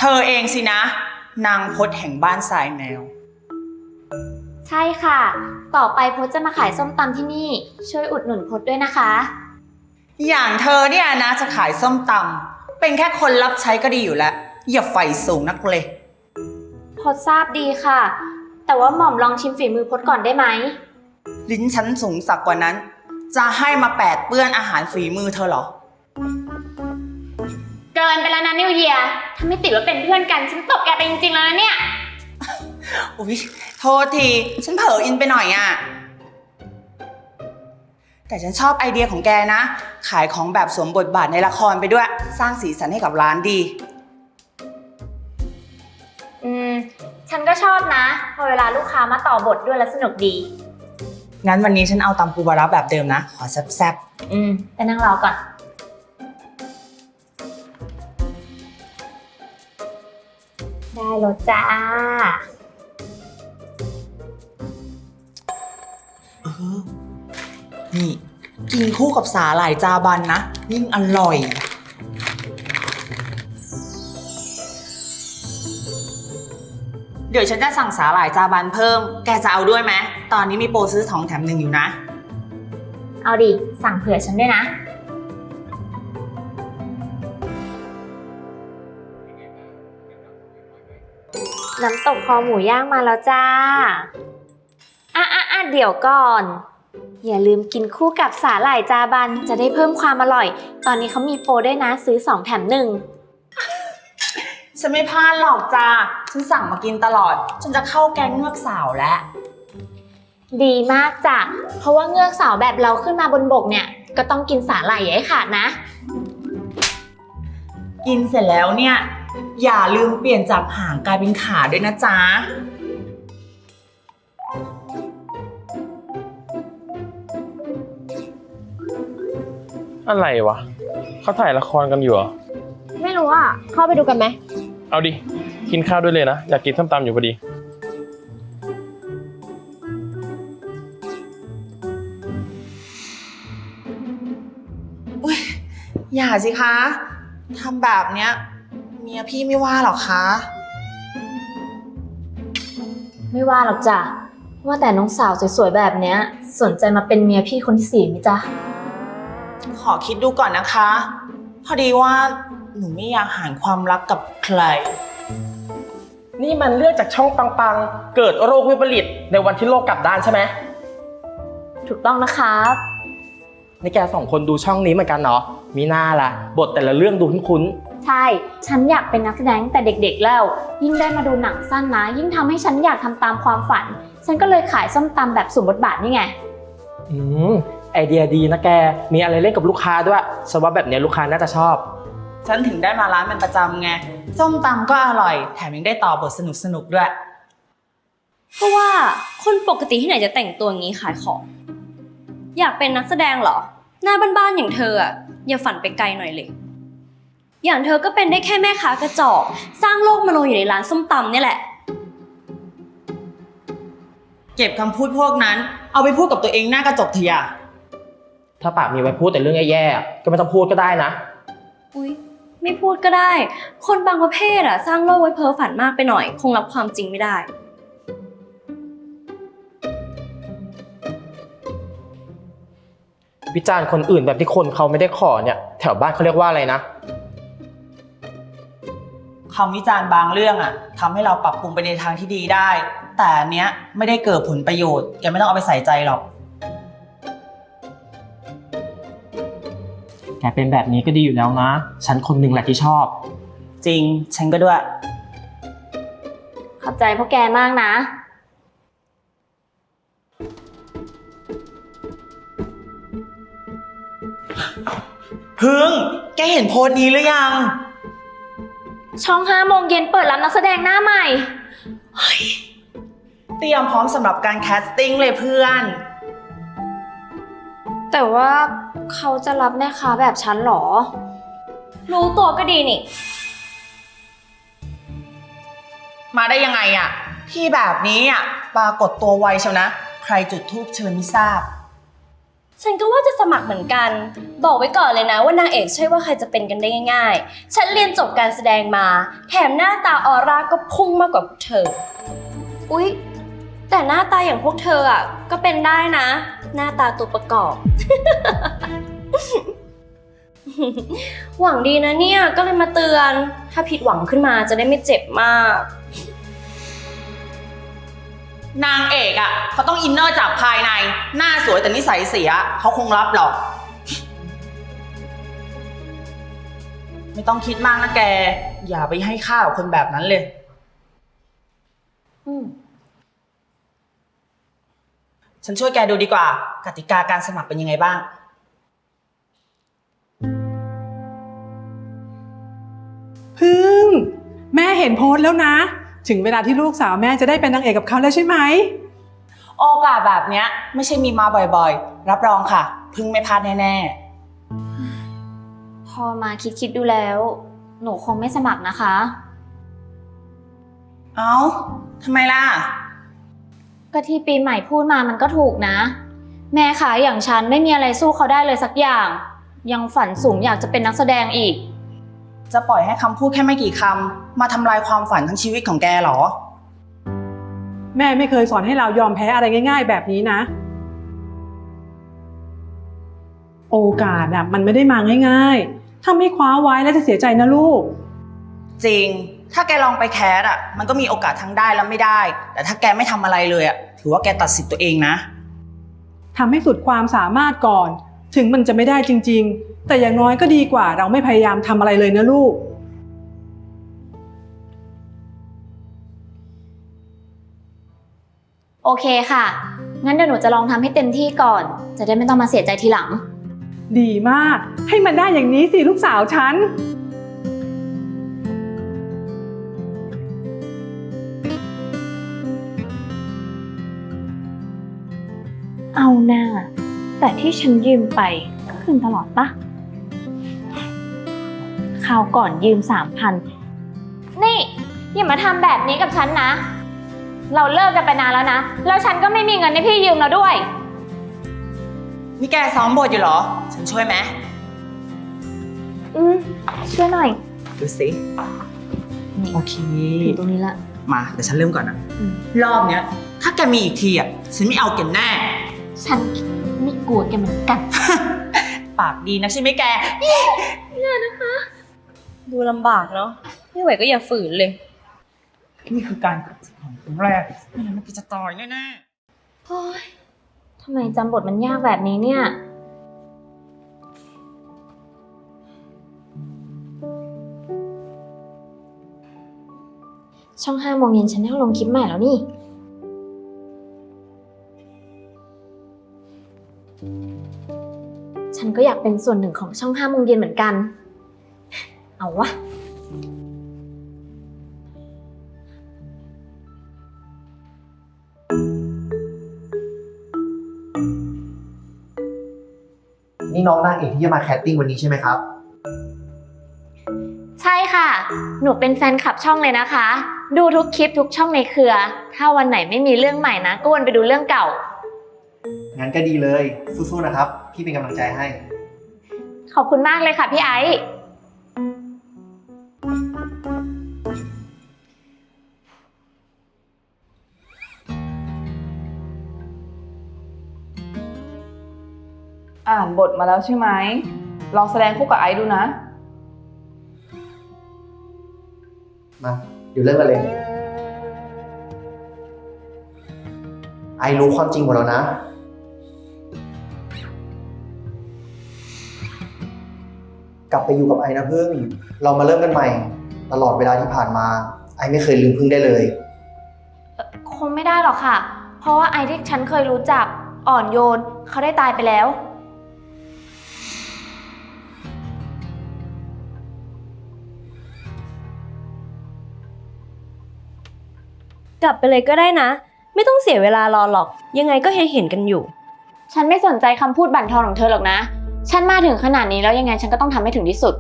เธอเองสินะนางพจน์แห่งบ้านทรายแมวใช่ค่ะต่อไปพจน์จะมาขายส้มตำที่นี่ช่วยอุดหนุนพจน์ด้วยนะคะอย่างเธอเนี่ยนะจะขายส้มตำเป็นแค่คนรับใช้ก็ดีอยู่แล้วอย่าไฟสูงนักเลยพจน์ทราบดีค่ะแต่ว่าหม่อมลองชิมฝีมือพจน์ก่อนได้ไหมลิ้นฉันสูงสักกว่านั้นจะให้มาแปดเปื้อนอาหารฝีมือเธอเหรอเกินไปแล้วนะนิวเยียร์ถ้าไม่ติดว่าเป็นเพื่อนกันฉันตบแกไปจริงๆแล้วเนี่ยอุ๊ยโทษทีฉันเผลออินไปหน่อยอ่ะแต่ฉันชอบไอเดียของแกนะขายของแบบสวมบทบาทในละครไปด้วยสร้างสีสันให้กับร้านดีฉันก็ชอบนะพอเวลาลูกค้ามาต่อบทด้วยแล้วสนุกดีงั้นวันนี้ฉันเอาตำปูปลาร้าแบบเดิมนะขอแซ่บไปนั่งรอก่อนได้แล้วจ้านี่กินคู่กับสาหร่ายจาบันนะยิ่งอร่อยเดี๋ยวฉันจะสั่งสาหร่ายจาบันเพิ่มแกจะเอาด้วยไหมตอนนี้มีโปรซื้อ2 แถม 1อยู่นะเอาดิสั่งเผื่อฉันด้วยนะน้ำตกคอหมูย่างมาแล้วจ้าเดี๋ยวก่อนอย่าลืมกินคู่กับสาหร่ายจาบันจะได้เพิ่มความอร่อยตอนนี้เขามีโปรด้วยนะซื้อ2 แถม 1 ฉันไม่พลาดหรอกจ้าฉันสั่งมากินตลอดจนจะเข้าแก๊งเงือกสาวแล้วดีมากจ้ะเพราะว่าเงือกสาวแบบเราขึ้นมาบนบกเนี่ยก็ต้องกินสาหร่ายให้ขาดนะกินเสร็จแล้วเนี่ยอย่าลืมเปลี่ยนจากหางกลายเป็นขาด้วยนะจ๊ะอะไรวะเขาถ่ายละครกันอยู่เหรอไม่รู้อ่ะเข้าไปดูกันไหมเอาดิกินข้าวด้วยเลยนะอยากกินส้มตำอยู่พอดีอุ๊ยอย่าสิคะทำแบบเนี้ยเมียพี่ไม่ว่าหรอกคะไม่ว่าหรอกจ้ะว่าแต่น้องสาวสวยๆแบบเนี้ยสนใจมาเป็นเมียพี่คนที่4ไหมจ๊ะขอคิดดูก่อนนะคะพอดีว่าหนูไม่อยากหารความรักกับใครนี่มันเรื่องจากช่องปังๆเกิดโรควิปริตในวันที่โลกกลับด้านใช่ไหมถูกต้องนะครับนี่แก2 คนดูช่องนี้เหมือนกันเนาะมีหน้าล่ะบทแต่ละเรื่องดูคุ้นใช่ฉันอยากเป็นนักแสดงแต่เด็กๆแล้วยิ่งได้มาดูหนังสั้นนะยิ่งทำให้ฉันอยากทำตามความฝันฉันก็เลยขายส้มตำแบบสวมบทบาทนี่ไงไอเดียดีนะแกมีอะไรเล่นกับลูกค้าด้วยฉันว่าแบบนี้ลูกค้าน่าจะชอบฉันถึงได้มาร้านเป็นประจำไงส้มตำก็อร่อยแถมยังได้ต่อบทสนุกๆด้วยเพราะว่าคนปกติที่ไหนจะแต่งตัวอย่างนี้ขายของอยากเป็นนักแสดงเหรอหน้าบ้านๆอย่างเธออะอย่าฝันไปไกลหน่อยเลยอย่างเธอก็เป็นได้แค่แม่ค้ากระจอกสร้างโลกมโนอยู่ในร้านส้มตำนี่แหละเก็บคำพูดพวกนั้นเอาไปพูดกับตัวเองหน้ากระจกเถอะอย่าถ้าปากมีไว้พูดแต่เรื่องแย่ๆก็ไม่ต้องพูดก็ได้นะอุ๊ยไม่พูดก็ได้คนบางประเภทอะสร้างโลกไว้เพ้อฝันมากไปหน่อยคงรับความจริงไม่ได้วิจารณ์คนอื่นแบบที่คนเขาไม่ได้ขอเนี่ยแถวบ้านเขาเรียกว่าอะไรนะคำวิจารณ์บางเรื่องอะทำให้เราปรับปรุงไปในทางที่ดีได้แต่อันเนี้ยไม่ได้เกิดผลประโยชน์แกไม่ต้องเอาไปใส่ใจหรอกแกเป็นแบบนี้ก็ดีอยู่แล้วนะฉันคนหนึ่งแหละที่ชอบจริงฉันก็ด้วยขอบใจพวกแกมากนะพึ่งแกเห็นโพสต์นี้หรือยังช่อง5 โมงเย็นเปิดรับนักแสดงหน้าใหม่เตรียมพร้อมสำหรับการแคสติ้งเลยเพื่อนแต่ว่าเขาจะรับแม่ค้าแบบฉันหรอรู้ตัวก็ดีนี่มาได้ยังไงอะที่แบบนี้อะปรากฏตัวไวเชียวนะใครจุดธูปเชิญไม่ทราบฉันก็ว่าจะสมัครเหมือนกัน บอกไว้ก่อนเลยนะว่านางเอกใช่ว่าใครจะเป็นกันได้ง่ายๆ ฉันเรียนจบการแสดงมา แถมหน้าตาออร่าก็พุ่งมากกว่าพวกเธอ อุ๊ย แต่หน้าตาอย่างพวกเธออ่ะก็เป็นได้นะ หน้าตาตัวประกอบ หวังดีนะเนี่ยก็เลยมาเตือน ถ้าผิดหวังขึ้นมาจะได้ไม่เจ็บมากนางเอกอะเขาต้องอินเนอร์จากภายใน หน้าสวยแต่นิสัยเสียเขาคงรับหรอก ไม่ต้องคิดมากนะแก อย่าไปให้ค่ากับคนแบบนั้นเลย ฉันช่วยแกดูดีกว่า กติกาการสมัครเป็นยังไงบ้างพึ่งแม่เห็นโพสต์แล้วนะ ถึงเวลาที่ลูกสาวแม่จะได้เป็นนางเอกกับเขาแล้วใช่ไหมโอกาสแบบเนี้ยไม่ใช่มีมาบ่อยๆ รับรองค่ะ พึ่งไม่พลาดแน่ๆพอมาคิดดูแล้ว หนูคงไม่สมัครนะคะเอ้า ทำไมล่ะก็ที่ปีใหม่พูดมามันก็ถูกนะ แม่ขาอย่างฉันไม่มีอะไรสู้เขาได้เลยสักอย่าง ยังฝันสูงอยากจะเป็นนักแสดงอีกจะปล่อยให้คำพูดแค่ไม่กี่คำมาทำลายความฝันทั้งชีวิตของแกเหรอแม่ไม่เคยสอนให้เรายอมแพ้อะไรง่ายๆแบบนี้นะ โอกาสอ่ะมันไม่ได้มาง่ายๆถ้าไม่คว้าไว้แล้วจะเสียใจนะลูกจริง ถ้าแกลองไปแคสอ่ะ มันก็มีโอกาสทั้งได้และไม่ได้ แต่ถ้าแกไม่ทำอะไรเลยอ่ะ ถือว่าแกตัดสิทธิ์ตัวเองนะทำให้สุดความสามารถก่อน ถึงมันจะไม่ได้จริงๆ แต่อย่างน้อยก็ดีกว่าเราไม่พยายามทำอะไรเลยนะลูกโอเคค่ะ งั้นเดี๋ยวหนูจะลองทำให้เต็มที่ก่อน จะได้ไม่ต้องมาเสียใจทีหลังดีมาก ให้มันได้อย่างนี้สิลูกสาวฉันเอาหน้า แต่ที่ฉันยืมไปก็คืนตลอดปะคราวก่อนยืม 3,000 นี่อย่ามาทำแบบนี้กับฉันนะ เราเลิกกันไปนานแล้วนะ แล้วฉันก็ไม่มีเงินให้พี่ยืมแล้วด้วยนี่แกซ้อมบทอยู่เหรอ ฉันช่วยไหมช่วยหน่อยดูสิ โอเคอยู่ตรงนี้ละมาเดี๋ยวฉันเริ่มก่อนนะอืมรอบเนี้ย ถ้าแกมีอีกทีอ่ะ ฉันไม่เอาแกแน่ฉันไม่กลัวแกเหมือนกันปากดีนะใช่ไหมแกดูลำบากเนาะไม่ไหวก็อย่าฝืนเลยนี่คือการขัดสิทธิ์ของครั้งแรกไม่งั้นมันจะตายแน่ๆโอ๊ยทำไมจำบทมันยากแบบนี้เนี่ย ช่อง5 โมงเย็นฉันได้ลงคลิปใหม่แล้วนี่ ฉันก็อยากเป็นส่วนหนึ่งของช่อง5 โมงเย็นเหมือนกัน เอาวะนี่น้องนางเอกที่จะมาแคสติ้งวันนี้ใช่ไหมครับใช่ค่ะ หนูเป็นแฟนคลับช่องเลยนะคะ ดูทุกคลิปทุกช่องในเครือ ถ้าวันไหนไม่มีเรื่องใหม่นะก็วนไปดูเรื่องเก่างั้นก็ดีเลย สู้ๆนะครับ พี่เป็นกำลังใจให้ขอบคุณมากเลยค่ะพี่ไอซ์อ่านบทมาแล้วใช่ไหม ลองแสดงคู่กับไอซ์ดูนะมาเดี๋ยวเริ่มกันเลย ไอรู้ความจริงหมดแล้วนะ กลับไปอยู่กับไอนะพึ่ง เรามาเริ่มกันใหม่ ตลอดเวลาที่ผ่านมา ไอไม่เคยลืมพึ่งได้เลยคงไม่ได้หรอกค่ะ เพราะว่าไอซ์ที่ฉันเคยรู้จักอ่อนโยนเขาได้ตายไปแล้วกลับไปเลยก็ได้นะ ไม่ต้องเสียเวลารอหรอก ยังไงก็เห็นกันอยู่ฉันไม่สนใจคำพูดบั่นทอนของเธอหรอกนะ ฉันมาถึงขนาดนี้แล้วยังไงฉันก็ต้องทำให้ถึงที่สุด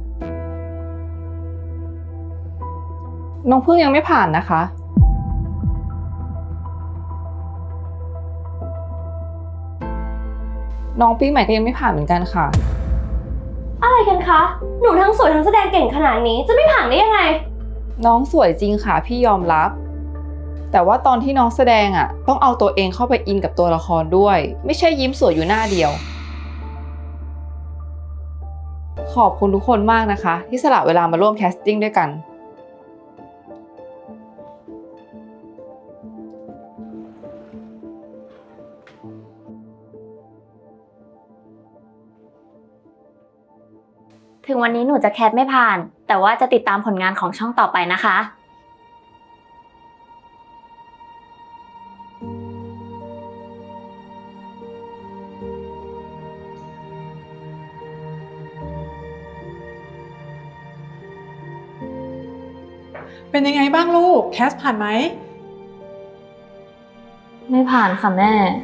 น้องพึ่งยังไม่ผ่านนะคะน้องปีใหม่ก็ยังไม่ผ่านเหมือนกันค่ะอะไรกันคะ หนูทั้งสวยทั้งแสดงเก่งขนาดนี้จะไม่ผ่านได้ยังไงน้องสวยจริงค่ะพี่ยอมรับ แต่ว่าตอนที่น้องแสดงอ่ะต้องเอาตัวเองเข้าไปอินกับตัวละครด้วย ไม่ใช่ยิ้มสวยอยู่หน้าเดียว ขอบคุณทุกคนมากนะคะ ที่สละเวลามาร่วมแคสติ้งด้วยกันถึงวันนี้หนูจะแคสไม่ผ่าน แต่ว่าจะติดตามผลงานของช่องต่อไปนะคะเป็นยังไงบ้างลูก แคสผ่านไหมไม่ผ่านค่ะแม่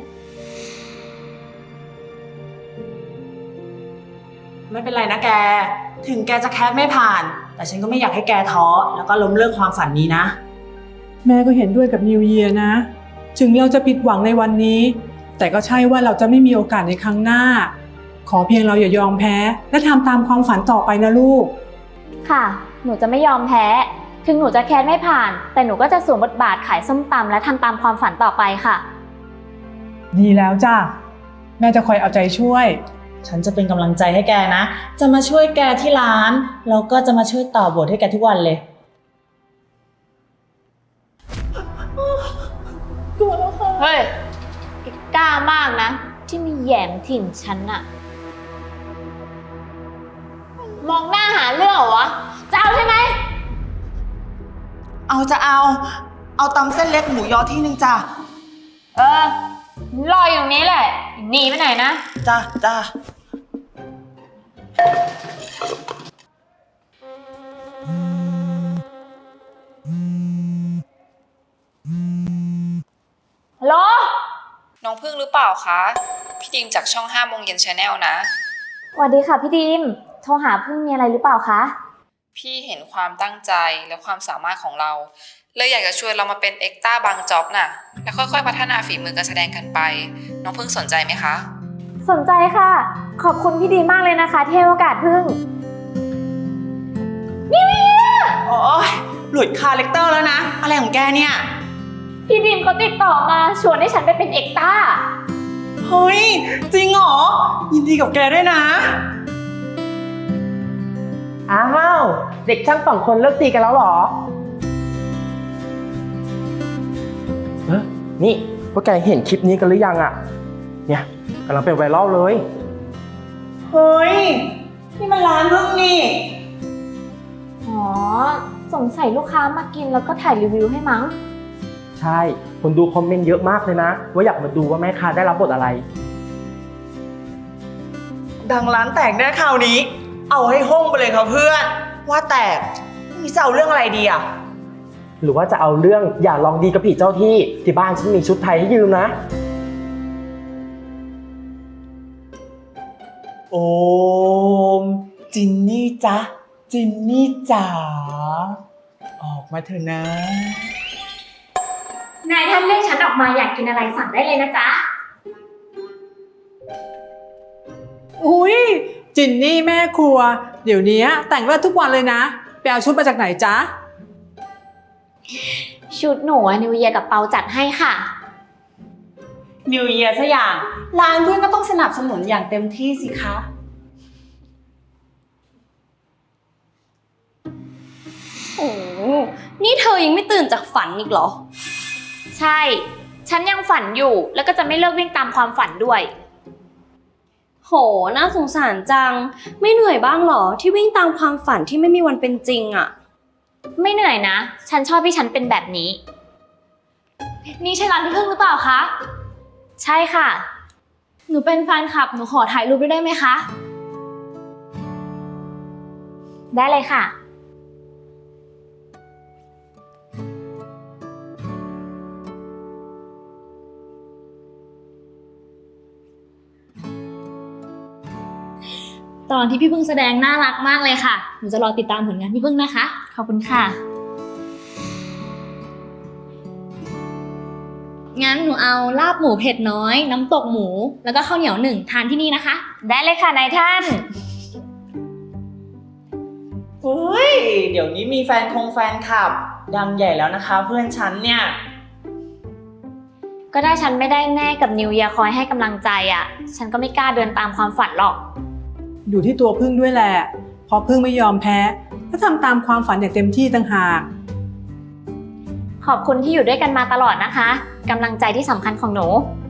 ไม่เป็นไรนะแก ถึงแกจะแคสไม่ผ่าน แต่ฉันก็ไม่อยากให้แกท้อแล้วก็ล้มเลิกความฝันนี้นะแม่ก็เห็นด้วยกับนิวเยียร์นะ ถึงเราจะผิดหวังในวันนี้ แต่ก็ใช่ว่าเราจะไม่มีโอกาสในครั้งหน้า ขอเพียงเราอย่ายอมแพ้ และทำตามความฝันต่อไปนะลูกค่ะ หนูจะไม่ยอมแพ้ ถึงหนูจะแคสไม่ผ่าน แต่หนูก็จะสวมบทบาทขายส้มตำและทำตามความฝันต่อไปค่ะดีแล้วจ้ะ แม่จะคอยเอาใจช่วยฉันจะเป็นกำลังใจให้แกนะ จะมาช่วยแกที่ร้าน แล้วก็จะมาช่วยต่อบทให้แกทุกวันเลยเฮ้ยกล้ามากนะ ที่มีแหยมถิ่นฉันอะมองหน้าหาเรื่องเหรอวะ จะเอาใช่ไหมเอาตำเส้นเล็กหมูยอที่นึงจ้ะเออ รออยู่ตรงนี้แหละหนีไปไหนนะจ้าฮัลโหลน้องพึ่งหรือเปล่าคะ พี่ดิมจากช่อง5 โมงเย็น Channel นะสวัสดีค่ะพี่ดีม โทรหาพึ่งมีอะไรหรือเปล่าคะพี่เห็นความตั้งใจและความสามารถของเรา เลยอยากจะชวนเรามาเป็นเอ็กต้าบางจ็อบน่ะ แล้วค่อยๆพัฒนาฝีมือการแสดงกันไป น้องพึ่งสนใจไหมคะสนใจค่ะ ขอบคุณพี่ดีมากเลยนะคะที่ให้โอกาสพึ่งโอ้ยหลุดคาแรคเตอร์แล้วนะ อะไรของแกเนี่ยพี่ดีมเขาติดต่อมาชวนให้ฉันไปเป็นเอกต้าเฮ้ย จริงเหรอ ยินดีกับแกด้วยนะอ้าวเด็กช่าง2 คนเลิกตีกันแล้วเหรอนี่พวกแกเห็นคลิปนี้กันหรือยังอะเนี่ยกำลังเป็นไวรัลเลยเฮ้ย นี่มันร้านพึ่งนี่อ๋อ สงสัยลูกค้ามากินแล้วก็ถ่ายรีวิวให้มั้งใช่ คนดูคอมเมนต์เยอะมากเลยนะ ว่าอยากมาดูว่าแม่ค้าได้รับบทอะไรดังร้านแตกแน่คราวนี้ เอาให้ห้องไปเลยครับเพื่อน ว่าแต่นี่จะเอาเรื่องอะไรดีอ่ะหรือว่าจะเอาเรื่องอย่าลองดีกับผีเจ้าที่บ้านฉันมีชุดไทยให้ยืมนะโอม จินนี่จ๊ะ จินนี่จ๋า ออกมาเถอะนะนายท่านเรียกฉันออกมาอยากกินอะไรสั่งได้เลยนะจ๊ะอุ้ยจินนี่แม่ครัว เดี๋ยวนี้แต่งเลิศทุกวันเลยนะ ไปเอาชุดมาจากไหนจ๊ะชุดหนูนิวเยียกับเปาจัดให้ค่ะนิวเยียร์ซะอย่าง ร้านเพื่อนก็ต้องสนับสนุนอย่างเต็มที่สิคะโอ้นี่เธอยังไม่ตื่นจากฝันอีกเหรอใช่ ฉันยังฝันอยู่ แล้วก็จะไม่เลิกวิ่งตามความฝันด้วยโห น่าสงสารจัง ไม่เหนื่อยบ้างเหรอที่วิ่งตามความฝันที่ไม่มีวันเป็นจริงอะไม่เหนื่อยนะ ฉันชอบที่ฉันเป็นแบบนี้ นี่ใช่ร้านพี่พึ่งหรือเปล่าคะ ใช่ค่ะหนูเป็นแฟนคลับ หนูขอถ่ายรูปด้วยได้ไหมคะได้เลยค่ะตอนที่พี่พึ่งแสดงน่ารักมากเลยค่ะ หนูจะรอติดตามผลงานพี่พึ่งนะคะขอบคุณค่ะงงั้นหนูเอาลาบหมูเผ็ดน้อย น้ำตกหมู แล้วก็ข้าวเหนียว1ทานที่นี่นะคะได้เลยค่ะนายท่านอุ้ย เดี๋ยวนี้มีแฟนคลับ ดังใหญ่แล้วนะคะเพื่อนฉันเนี่ยก็ได้ฉันไม่ได้แม่กับนิวเยียร์คอยให้กำลังใจอ่ะ ฉันก็ไม่กล้าเดินตามความฝันหรอกอยู่ที่ตัวพึ่งด้วยแหละเพราะพึ่งไม่ยอมแพ้และทำตามความฝันอย่างเต็มที่ต่างหากขอบคุณที่อยู่ด้วยกันมาตลอดนะคะกำลังใจที่สำคัญของหนู